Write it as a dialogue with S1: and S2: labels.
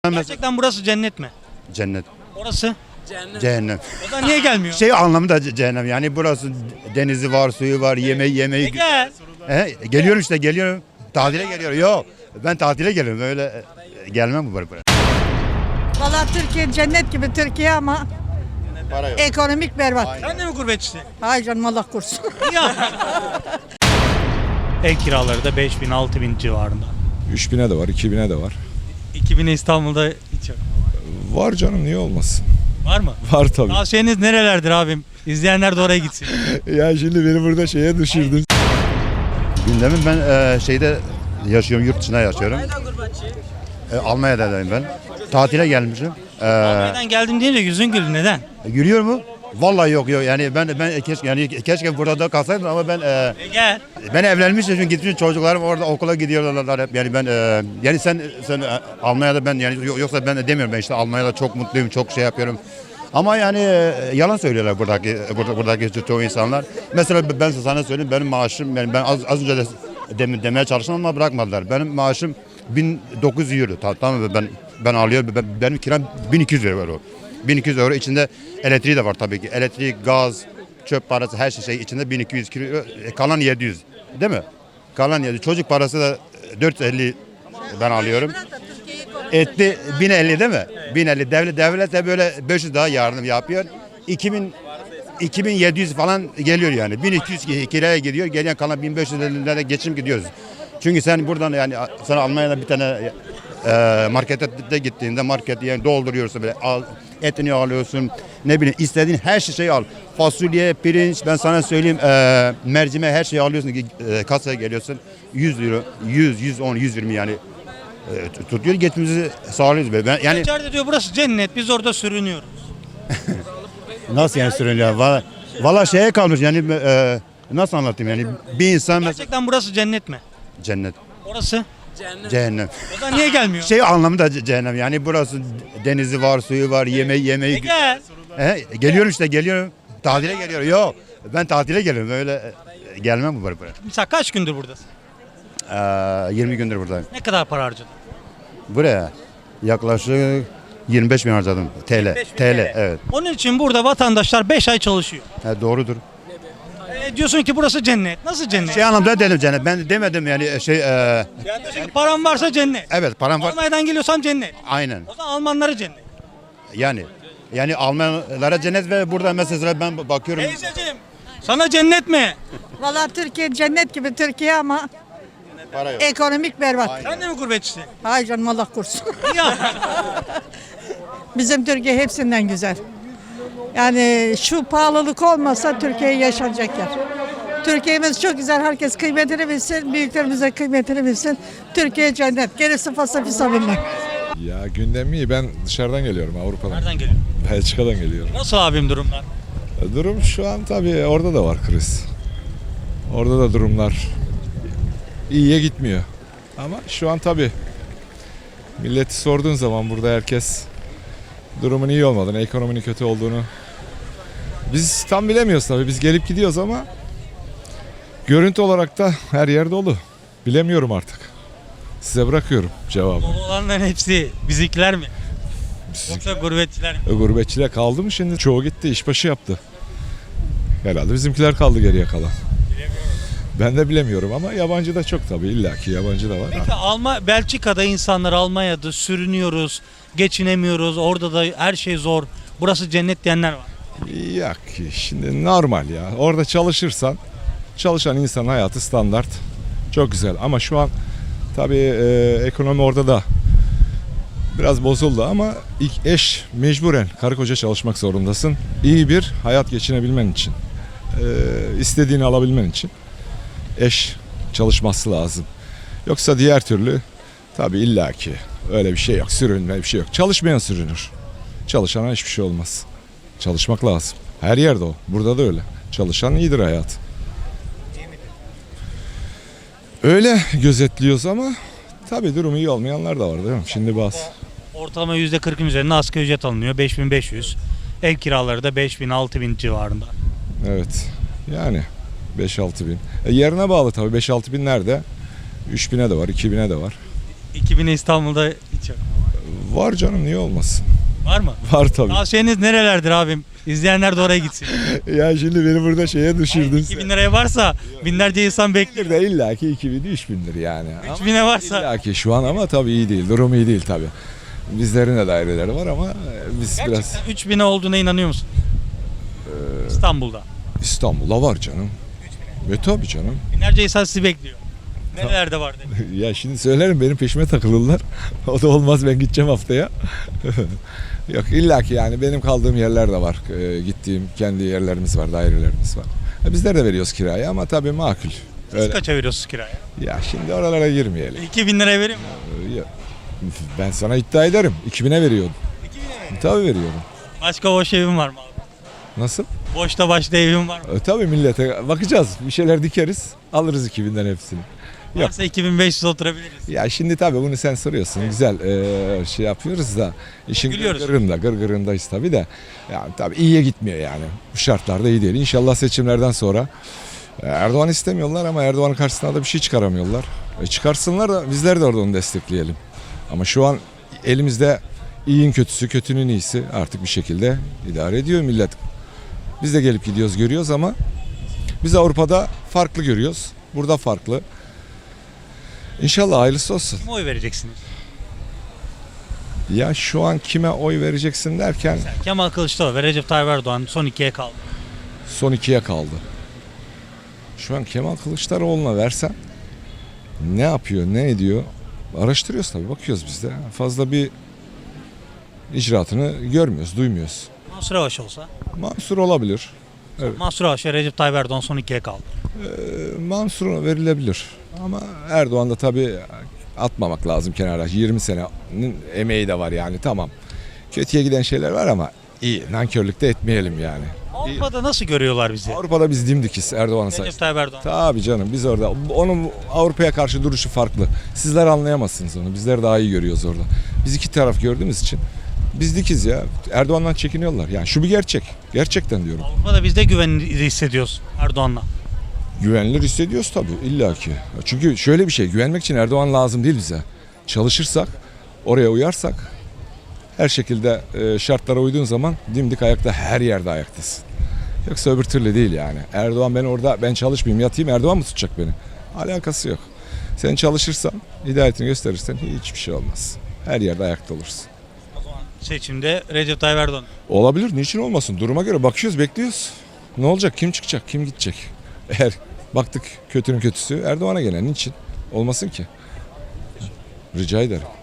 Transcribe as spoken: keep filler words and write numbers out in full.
S1: Gerçekten burası cennet mi?
S2: Cennet.
S1: Orası?
S2: Cehennem.
S1: O da niye gelmiyor?
S2: Şey anlamında ce- cehennem yani burası denizi var, suyu var, yemeği
S1: E
S2: yemeği.
S1: gel.
S2: He, geliyorum işte geliyorum. Tatile geliyorum. Yok. Ben tatile geliyorum. Öyle e, gelmem buraya. buraya.
S3: Valla Türkiye cennet gibi Türkiye ama
S2: Para yok.
S3: ekonomik berbat.
S1: Sen de mi gurbetçisin?
S3: Hayır canım Allah korusun.
S1: Ya. Ev kiraları da beş bin altı bin civarında.
S4: üç bine de var, iki bine de var.
S1: iki bine İstanbul'da hiç yok.
S4: Var canım, niye olmasın?
S1: Var mı?
S4: Var tabii.
S1: Tavsiyeniz nerelerdir abim? İzleyenler de oraya gitsin.
S4: Ya şimdi beni burada şeye düşürdün.
S2: Gündemim ben e, şeyde yaşıyorum, yurt dışında yaşıyorum. E, Almanya'dayım ben. Tatile gelmişim. E,
S1: Neden geldim deyince yüzün güldü. Neden?
S2: gülüyor mu? Vallahi yok yok. Yani ben ben keşke yani keşke burada da kalsaydım ama ben e,
S1: E gel.
S2: ben evlenmişim çünkü gitmiş çocuklarım orada okula gidiyorlar hep. Yani ben e, yani sen sen e, Almanya'da ben yani yo- yoksa ben de demiyorum ben işte Almanya'da çok mutluyum, çok şey yapıyorum. Ama yani e, yalan söylüyorlar buradaki burada, buradaki çoğu insanlar. Mesela ben sana söyleyeyim benim maaşım yani ben az, az önce de dem- demeye çalıştım ama bırakmadılar. Benim maaşım bin dokuz yüz euro. Ta- Tamam mı? Ben ben alıyorum. Ben, benim kiram bin iki yüz euro. bin iki yüz euro içinde elektriği de var tabii ki. Elektrik, gaz, çöp parası her şey içinde bin iki yüz euro. E, Kalan yedi yüz. Değil mi? Kalan yedi yüz. Çocuk parası da dört yüz elli ben alıyorum. Etti bin elli değil mi? bin elli. Devlet devlet de böyle beş yüz daha yardım yapıyor. iki bin iki bin yedi yüz falan geliyor yani. bin iki yüz kiraya gidiyor. Gelen kalan bin beş yüz liraya geçim gidiyoruz. Çünkü sen buradan yani sana Almanya'da bir tane e, markete de gittiğinde market yani dolduruyorsun böyle al, etini alıyorsun. Ne bileyim istediğin her şeyi al. Fasulye, pirinç ben sana söyleyeyim e, mercimeği her şeyi alıyorsun. E, kasaya geliyorsun. yüz euro, yüz, yüz on, yüz yirmi yani e, tutuyor geçimizi sağlıyoruz böyle. Ben, yani
S1: İçeride diyor burası cennet. Biz orada sürünüyoruz.
S2: nasıl yani sürünüyor? Valla, valla şeye kalmış yani e, nasıl anlatayım yani bir insan mesela
S1: Gerçekten burası cennet mi?
S2: cennet,
S1: Orası?
S2: cehennem.
S1: O da niye gelmiyor?
S2: Şey anlamında ce- cehennem yani burası denizi var, suyu var, yemeği
S1: E
S2: yemeği.
S1: gel.
S2: He, geliyorum işte geliyorum. Tatile geliyorum. Yok. Ben tatile geliyorum. Öyle e, gelmem buraya. buraya.
S1: Mesela kaç gündür buradasın?
S2: Ee, yirmi gündür buradayım.
S1: Ne kadar para harcadın?
S2: Buraya yaklaşık yirmi beş bin harcadım. T L. T L evet.
S1: Onun için burada vatandaşlar beş ay çalışıyor.
S2: He, doğrudur.
S1: E, diyorsun ki burası cennet. Nasıl cennet?
S2: Şey anlamda dedim cennet. Ben demedim yani şey e,
S1: Yani diyorsun ki param varsa cennet.
S2: evet param var.
S1: Almanya'dan geliyorsan cennet.
S2: Aynen.
S1: O zaman Almanlara cennet.
S2: Yani yani Almanlara cennet ve burada mesela ben bakıyorum.
S1: Teyzeciğim sana cennet mi?
S3: Valla Türkiye cennet gibi Türkiye ama
S2: Para yok.
S3: ekonomik berbat.
S1: Sen de mi gurbetçisin?
S3: Hayır canım Allah korusun.
S1: Ya.
S3: Bizim Türkiye hepsinden güzel. Yani şu pahalılık olmasa Türkiye yaşanacak yer. Türkiye'miz çok güzel. Herkes kıymetini bilsin. Büyüklerimize kıymetini bilsin. Türkiye cennet. Gerisi fasafiso bilmem.
S4: Ya gündem iyi, ben dışarıdan geliyorum, Avrupa'dan.
S1: Nereden geliyor?
S4: Belçika'dan geliyorum.
S1: Nasıl abim durumlar?
S4: Durum şu an tabii orada da var kriz. Orada da durumlar iyiye gitmiyor. Ama şu an tabii milleti sorduğun zaman burada herkes durumun iyi olmadığını, ekonominin kötü olduğunu biz tam bilemiyoruz tabii. Biz gelip gidiyoruz ama görüntü olarak da her yer dolu. Bilemiyorum artık. Size bırakıyorum cevabı.
S1: Dolu olanların hepsi bizimkiler mi? Yoksa gurbetçiler mi?
S4: E, gurbetçiler kaldı mı şimdi? Çoğu gitti, işbaşı yaptı. Herhalde bizimkiler kaldı geriye kalan. Ben de bilemiyorum ama yabancı da çok tabii, illaki yabancı da var.
S1: Peki Alma, Belçika'da insanlar Almanya'da sürünüyoruz, geçinemiyoruz, orada da her şey zor. Burası cennet diyenler var.
S4: Yok ki, şimdi normal ya. Orada çalışırsan, çalışan insanın hayatı standart. Çok güzel ama şu an tabii e, ekonomi orada da biraz bozuldu ama ilk eş mecburen karı koca çalışmak zorundasın. İyi bir hayat geçinebilmen için, e, istediğini alabilmen için eş çalışması lazım. Yoksa diğer türlü tabii illaki öyle bir şey yok, sürünme bir şey yok. Çalışmayan sürünür. Çalışana hiçbir şey olmaz. Çalışmak lazım. Her yerde o. Burada da öyle. Çalışan iyidir hayat. Öyle gözetliyoruz ama tabii durumu iyi olmayanlar da var değil mi? Şimdi bazı.
S1: Ortalama yüzde kırkın üzerinde asgari ücret alınıyor, beş bin beş yüz. Ev kiraları da beş bin altı bin civarında.
S4: Evet. Yani beş altı bin. E yerine bağlı tabii. beş altı bin nerede? üç bine de var, iki bine de var.
S1: iki bine İstanbul'da hiç yok.
S4: Var canım, niye olmasın?
S1: Var mı?
S4: Var tabii.
S1: Tavsiyeniz nerelerdir abim? İzleyenler de oraya gitsin.
S4: Ya şimdi beni burada şeye düşürdün.
S1: iki bin liraya varsa binlerce insan bekliyor.
S4: de illa ki iki bin üç bindir yani.
S1: üç bine varsa
S4: İlla ki şu an ama tabii iyi değil. Durum iyi değil tabii. Bizlerin de daireleri var ama biz biraz
S1: gerçekten üç bine olduğuna inanıyor musun? İstanbul'da.
S4: İstanbul'da var canım. E tabii canım.
S1: Binlerce insan sizi bekliyor. Nerelerde var dedi.
S4: Ya şimdi söylerim, benim peşime takılırlar. O da olmaz, ben gideceğim haftaya. Yok, illa ki yani benim kaldığım yerler de var. Ee, gittiğim kendi yerlerimiz var, dairelerimiz var. E, bizler de veriyoruz kirayı ama tabii makul.
S1: Siz
S4: Öyle.
S1: kaça veriyorsunuz kiraya?
S4: Ya şimdi oralara girmeyelim.
S1: iki bin liraya vereyim mi?
S4: Ee, ya, ben sana iddia ederim. iki bine veriyordum.
S1: iki bine mi?
S4: Tabii veriyorum.
S1: Başka boş evim var mı abi?
S4: Nasıl?
S1: Boşta başta evim var mı?
S4: E, tabii millete bakacağız. Bir şeyler dikeriz. Alırız iki binden hepsini. Yok.
S1: Varsa iki bin beş yüz oturabiliriz.
S4: Ya şimdi tabii bunu sen soruyorsun. Güzel e, şey yapıyoruz da işin
S1: Gülüyoruz.
S4: gırgırında, gırgırındayız tabii de. Yani tabii iyiye gitmiyor yani. Bu şartlarda iyi değil. İnşallah seçimlerden sonra e, Erdoğan istemiyorlar ama Erdoğan'ın karşısına da bir şey çıkaramıyorlar. E, çıkarsınlar da bizler de orada onu destekleyelim. Ama şu an elimizde iyiyin kötüsü, kötünün iyisi artık bir şekilde idare ediyor millet. Biz de gelip gidiyoruz, görüyoruz ama biz Avrupa'da farklı görüyoruz. Burada farklı. İnşallah hayırlısı olsun.
S1: Kime oy vereceksiniz?
S4: Ya şu an kime oy vereceksin derken
S1: Kemal Kılıçdaroğlu ve Recep Tayyip Erdoğan son ikiye kaldı.
S4: son ikiye kaldı. Şu an Kemal Kılıçdaroğlu'na versen ne yapıyor, ne ediyor? Araştırıyoruz tabii, bakıyoruz biz de. Fazla bir icraatını görmüyoruz, duymuyoruz.
S1: Mansur Yavaş olsa?
S4: Mansur olabilir. Evet.
S1: Mansur Yavaş ve Recep Tayyip Erdoğan son ikiye kaldı.
S4: Ee, Mansur'a verilebilir. Ama Erdoğan da tabii atmamak lazım kenara. yirmi senenin emeği de var yani, tamam. Kötüye giden şeyler var ama iyi. Nankörlük de etmeyelim yani.
S1: Avrupa'da nasıl görüyorlar bizi?
S4: Avrupa'da biz dimdikiz Erdoğan'a
S1: Recep
S4: sayesinde.
S1: Tayyip Erdoğan.
S4: Tabii canım, biz orada. Onun Avrupa'ya karşı duruşu farklı. Sizler anlayamazsınız onu. Bizler daha iyi görüyoruz orada. Biz iki taraf gördüğümüz için biz dikiz ya. Erdoğan'dan çekiniyorlar. Yani şu bir gerçek. Gerçekten diyorum.
S1: Avrupa'da biz de güvenli hissediyoruz Erdoğan'la.
S4: Güvenilir hissediyoruz tabii, illaki. Çünkü şöyle bir şey, güvenmek için Erdoğan lazım değil bize. Çalışırsak, oraya uyarsak, her şekilde e, şartlara uyduğun zaman dimdik ayakta, her yerde ayaktasın. Yoksa öbür türlü değil yani. Erdoğan, ben orada ben çalışmayayım, yatayım, Erdoğan mı tutacak beni? Alakası yok. Sen çalışırsan, hidayetini gösterirsen hiçbir şey olmaz. Her yerde ayakta olursun.
S1: O zaman seçimde Recep Tayyip Erdoğan.
S4: Olabilir, niçin olmasın? Duruma göre bakıyoruz, bekliyoruz. Ne olacak, kim çıkacak, kim gidecek? Eğer baktık kötünün kötüsü Erdoğan'a gelen, niçin olmasın ki? Rica ederim.